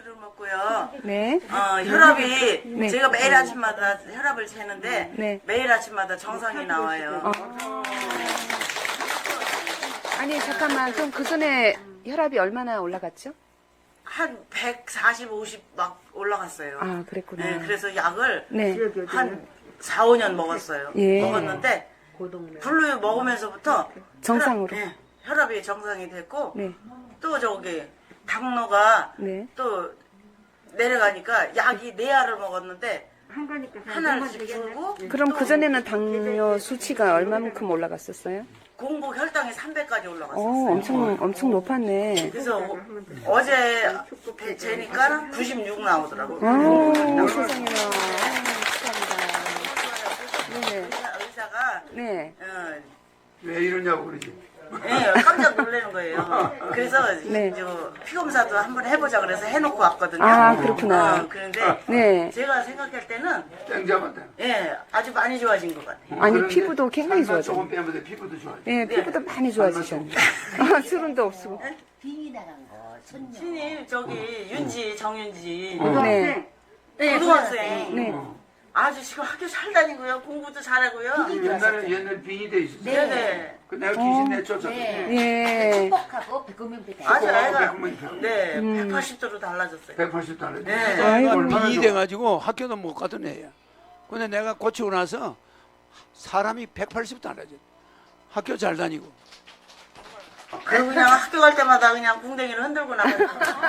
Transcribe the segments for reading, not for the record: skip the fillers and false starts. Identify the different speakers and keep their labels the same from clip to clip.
Speaker 1: 약을 먹고요.
Speaker 2: 네.
Speaker 1: 혈압이
Speaker 2: 네.
Speaker 1: 제가 매일 아침마다 혈압을 재는데
Speaker 2: 네.
Speaker 1: 매일 아침마다 정상이 나와요.
Speaker 2: 아니 잠깐만 그럼 그 전에 혈압이 얼마나 올라갔죠?
Speaker 1: 한 140, 50 막 올라갔어요.
Speaker 2: 아 그랬구나.
Speaker 1: 네, 그래서 약을
Speaker 2: 네.
Speaker 1: 한 4, 5년 먹었어요.
Speaker 2: 예.
Speaker 1: 먹었는데 블루 먹으면서부터
Speaker 2: 정상으로.
Speaker 1: 혈압이 정상이 됐고
Speaker 2: 네.
Speaker 1: 또 저기 당뇨가
Speaker 2: 네.
Speaker 1: 또 내려가니까 약이 4알을 먹었는데 하나씩 줄고
Speaker 2: 그럼 그 전에는 당뇨 수치가 얼마만큼 올라갔었어요?
Speaker 1: 공복 혈당이 300까지 올라갔어요.
Speaker 2: 엄청 높았네.
Speaker 1: 그래서 어제 재니까 96 나오더라고.
Speaker 2: 세상에나. 축하합니다. 네.
Speaker 1: 의사가
Speaker 2: 네.
Speaker 3: 왜 이러냐고 그러지.
Speaker 1: 예, 깜짝 놀라는 거예요. 그래서
Speaker 2: 네.
Speaker 1: 피 검사도 한번 해보자 그래서 해놓고 왔거든요.
Speaker 2: 아, 그렇구나.
Speaker 1: 그런데
Speaker 2: 네.
Speaker 1: 제가 생각할 때는
Speaker 3: 땡 잡았다.
Speaker 1: 예, 아주 많이 좋아진 것 같아요.
Speaker 2: 아니
Speaker 3: 그런데
Speaker 2: 피부도 굉장히
Speaker 3: 살만
Speaker 2: 좋아져.
Speaker 3: 조금 빼면 돼. 피부도 좋아져.
Speaker 2: 예, 피부도 많이 좋아지셨네. 수분도 없고.
Speaker 4: 빙이 나간 거, 손녀.
Speaker 1: 신임 저기 윤지 정윤지
Speaker 2: 네.
Speaker 1: 고등학생
Speaker 2: 네.
Speaker 1: 아주 지금 학교 잘 다니고요. 공부도 잘하고요.
Speaker 3: 옛날에 빙이 돼 있었어.
Speaker 1: 네네.
Speaker 3: 그 내가 귀신 내쫓았어.
Speaker 2: 예.
Speaker 4: 행복하고 비금융비 다.
Speaker 1: 아주 애가
Speaker 3: 백만
Speaker 1: 네 180도로 달라졌어요.
Speaker 3: 180달러.
Speaker 1: 네.
Speaker 2: 아이고.
Speaker 5: 빙이 돼가지고 학교도 못 가던 애야. 근데 내가 고치고 나서 사람이 180 달라져. 학교 잘 다니고.
Speaker 1: 그리고 그냥 학교 갈 때마다 그냥 궁뎅이를 흔들고 나가요.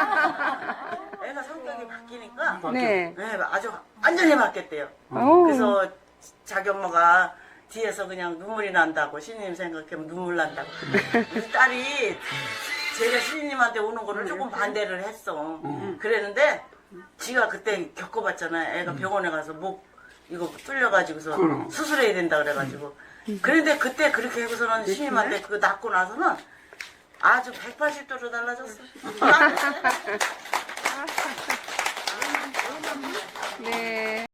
Speaker 1: 애가 성격이 바뀌니까
Speaker 2: 네.
Speaker 1: 네, 아주 완전히 바뀌었대요.
Speaker 2: 오.
Speaker 1: 그래서 자기 엄마가 뒤에서 그냥 눈물이 난다고 신님 생각하면 눈물 난다고. 우리 딸이 제가 신님한테 오는 거를 조금 반대를 했어. 그랬는데 지가 그때 겪어봤잖아요. 애가 병원에 가서 목 이거 뚫려가지고서
Speaker 3: 그럼.
Speaker 1: 수술해야 된다 그래가지고. 그런데 그때 그렇게 하고서는 신님한테 그거 낫고 나서는 아주 180도로 달라졌어.
Speaker 2: 네.